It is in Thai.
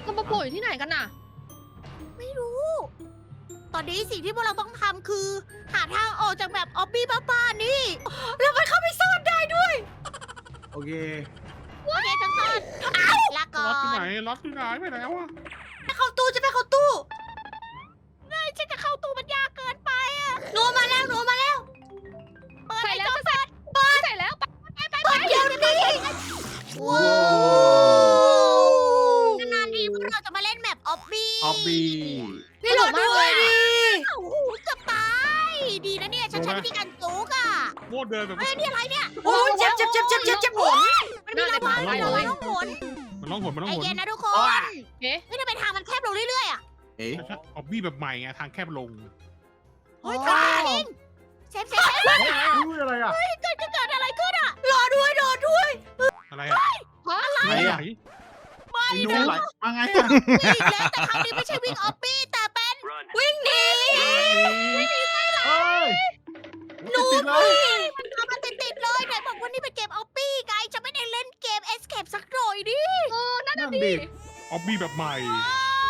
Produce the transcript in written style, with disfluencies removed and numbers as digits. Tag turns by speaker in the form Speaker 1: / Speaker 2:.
Speaker 1: มันมาโผล่อยู่ที่ไหนกันน่ะ
Speaker 2: ไม่รู้ ตอนนี้สิ่งที่พวกเราต้องทำคือ หาทางออกจากแบบออบบี้บ้าๆนี่ แล้วมันเข้าไปซ่อนได้ด้วย
Speaker 3: โอเค
Speaker 2: โอเคฉันซ่อนลาก่อ
Speaker 4: ล็อตที่ไหน
Speaker 2: น
Speaker 4: ล็อตที่ไหนไปไหนวะ
Speaker 2: จะเข้าตู้จะไปเข้าตู้ไงฉันจะเข้าตู้มันยากเกินไปอะหนูมาแล้วหนูมาแล้ว เปิด
Speaker 1: ใส่
Speaker 2: ไอ้
Speaker 1: แล้ว
Speaker 2: จอ
Speaker 1: จะใส่ใส่แล้ว
Speaker 2: เปิดเดี๋ยวนี้ว้าวนานๆทีพวกเราจะมาเล่นแมปออบบี้
Speaker 3: ออบบี้
Speaker 1: นี่หลงมากเลยอะ
Speaker 2: โอ้โหเกือบตาย ดีนะเนี่ย ฉันใช้วิธีการจุกอะ
Speaker 4: โมดเดินแบบ
Speaker 2: เฮ้ยนี่อะไรเนี่ย
Speaker 1: โอ้ยเจ็บเจ็บเจ็บเจ็บเจ็บเจ็บหน
Speaker 2: มันมีระเบิด
Speaker 1: น่าจะ
Speaker 2: ระ
Speaker 1: ไป
Speaker 2: วั
Speaker 1: เลย
Speaker 2: งต้องหน
Speaker 4: มันร้องหนมันร้อง
Speaker 2: ไอ
Speaker 4: หน
Speaker 2: เย็นนะทุกคน
Speaker 1: เอ๊ะ
Speaker 2: เฮ้ยทำไมทางมันแคบลงเรื่อยๆอะ
Speaker 3: เอ๊ะ
Speaker 4: ออบบี้แบบใหม่ไงทางแคบลง
Speaker 2: เฮ้ยทางจริงเซฟเซฟเซฟ
Speaker 3: อุ้ยอะไรอ่ะ
Speaker 2: เกิดอะไรขึ้นอะรอด้วยรอด้วย
Speaker 4: อะไรอะ
Speaker 3: อะไร
Speaker 4: ไหน
Speaker 3: อ่ะ
Speaker 4: ไหน
Speaker 3: ไอ้หนูไหลมาไงอ่ะ
Speaker 2: วิ่งแล้วแต่ครั้งนี้ไม่ใช่วิ่งออบบี้แต่เป็นวิ่งหนี
Speaker 3: เฮ้ย
Speaker 2: หนู
Speaker 3: ติดเลย
Speaker 2: มันทำมาติดๆเลยไหนบอกว่านี่เป็นเกมออบบี้ไงจะไม่ได้เล่นเกม Escape สักหน่อยดิ
Speaker 1: เออนั่น
Speaker 3: นั่
Speaker 1: น่ะ
Speaker 3: น
Speaker 1: ดิ
Speaker 3: ดิ
Speaker 4: ออบบี้แบบใหม่
Speaker 2: ว้า